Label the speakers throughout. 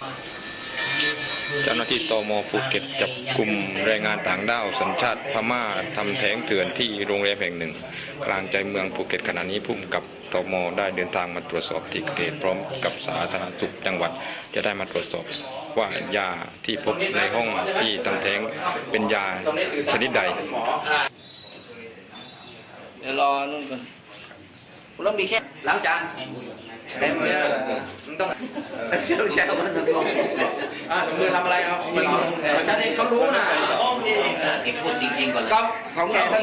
Speaker 1: เจ้าหน้าที่ตม.ภูเก็ตจับกลุ่มแรงงานต่างด้าวสัญชาติพม่าทำแท้งเถื่อนที่โรงแรมแห่งหนึ่งกลางใจเมืองภูเก็ตขณะนี้ผู้กำกับตม.ได้เดินทางมาตรวจสอบที่เกิดเหตุพร้อมกับสาธารณสุขจังหวัดจะได้มาตรวจสอบว่ายาที่พบในห้องที่ทำแท้งเป็นยาชนิดใด
Speaker 2: เดี๋ยวรอนู่นก่อนคุณต้องมีแค่ล้างจานเต็มเลยมึงต้องเชี่ยวชาญมันต้องลงมือทำอะไรครับท่านเองเขารู้นะพูดจริงๆก่อนก็ของแกท่าน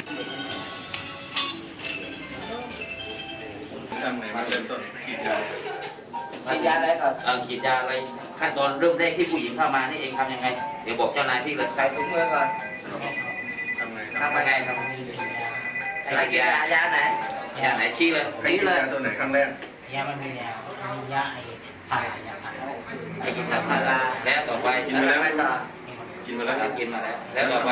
Speaker 3: ทำไงมาเริ่มต้นขีดยา
Speaker 2: อะไรก่อน
Speaker 4: ฉีดยาอะไรขั้นตอนเริ่มแรกที่ผู้หญิงเข้ามานี่เองทำยังไงเดี๋ยวบอกเจ้านายที่เลย
Speaker 2: ใส่ถุงมือก่อน
Speaker 3: ทำไง
Speaker 2: ครับใส่กินยาไหน
Speaker 4: ยาไหนชี้เลย
Speaker 3: ชี้เลยตัวไหนครั้งแรก
Speaker 5: ยามันมียาไอ้ผ่ายาผ่าย
Speaker 4: ไอ้กินพาราแล้วต่อไป
Speaker 2: กินมาแล้ว
Speaker 4: กินมาแล้วแล้วต่อไป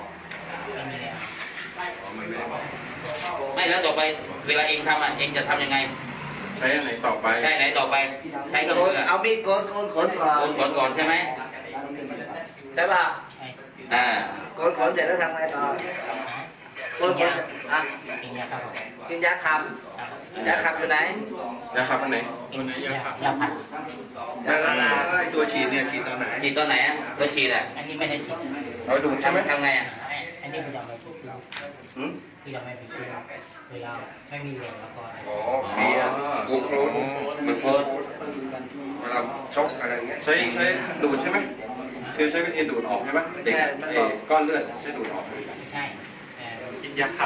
Speaker 4: ไม่แล้วต่อไปเวลาเองทำเองจะทำยังไง
Speaker 3: ใช้ไหนต่อไป
Speaker 4: ใช้ไหนต่อไปใช้กระโดด
Speaker 2: เอามีดโกนขน
Speaker 4: ก่อนใช่ไหม
Speaker 2: ใช่ป่ะโกนขนเสร็จแล้วทำไงต่อโกนขนกินยาคำอยู่ไหน
Speaker 3: ยาขับอันไหน
Speaker 5: ยาผัด
Speaker 3: แล้วไอ้ตัวฉีดเนี่ยฉีดตอนไหน
Speaker 4: ตัวฉีด
Speaker 5: อันนี้ไม่ได้ฉีด
Speaker 3: เอาดูใช่ไหม
Speaker 4: ทำไง
Speaker 5: อันนี้คือยังไม่ผิดคือยังไม่ผิดเวลาไม่มีแรงแล้วก็
Speaker 3: มีกูโคลนมันโคลนเวลาชกอะไรเงี้ยใช้ดูดใช่ไหมใช้วิธีดูดออกใช่ไหมเด็กก้อนเลือดใช้ดูดออก
Speaker 5: ใช่
Speaker 3: กินยาขับ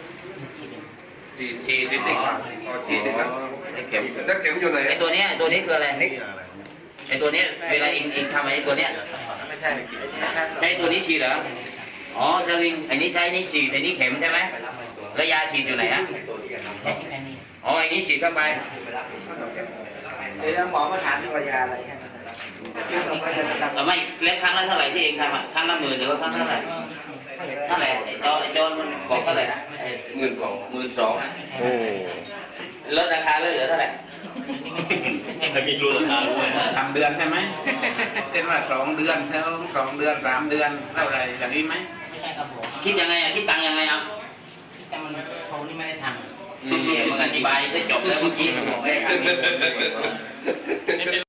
Speaker 4: ฉีดติด
Speaker 3: ฉีดติดแล้ว
Speaker 4: เข็ม
Speaker 3: แล้วเข็มอยู่ไหน
Speaker 4: ไอ้ตัวนี้คืออะไรไอ้ตัวนี้เวลาอิงทำไอ้ตัวเนี้ย
Speaker 2: ไม่ใช่
Speaker 4: ใช้ตัวนี้ฉีดเหรออ๋อสลิงไอ้นี้ใช้นี่ฉีดไอ้นี้เข็มใช่ไหมแล้วยาฉีดอยู่ไหนฮะอ๋อไอ้นี้ฉีดเข้าไป
Speaker 2: เดี๋ยวหมอมาถามว่ายาอะไรแค่
Speaker 4: ไม่เล็กครั้งละเท่าไหร่ที่เองทำครั้งละ10,000หรือว่าครั้งเท่าไหร่ไอ้จอนมันบอกเท่าไหร่นะ12,000โอ้ลดราคาเหลือเท่าไหร่
Speaker 1: จะมีรูราคาด้วย
Speaker 6: ทำเดือนใช่ไหมเป็นว่า2 เดือน2 เดือน3 เดือนเท่าไรอย่างนี้ไหม
Speaker 5: ไม่ใช่ครับผม
Speaker 4: คิดยังไงคิดตังยังไง
Speaker 5: แต่มันเขานี่ไม่ได้ทำ
Speaker 4: มึงอธิบายจะจบแล้วเมื่อกี้ผมบอกให้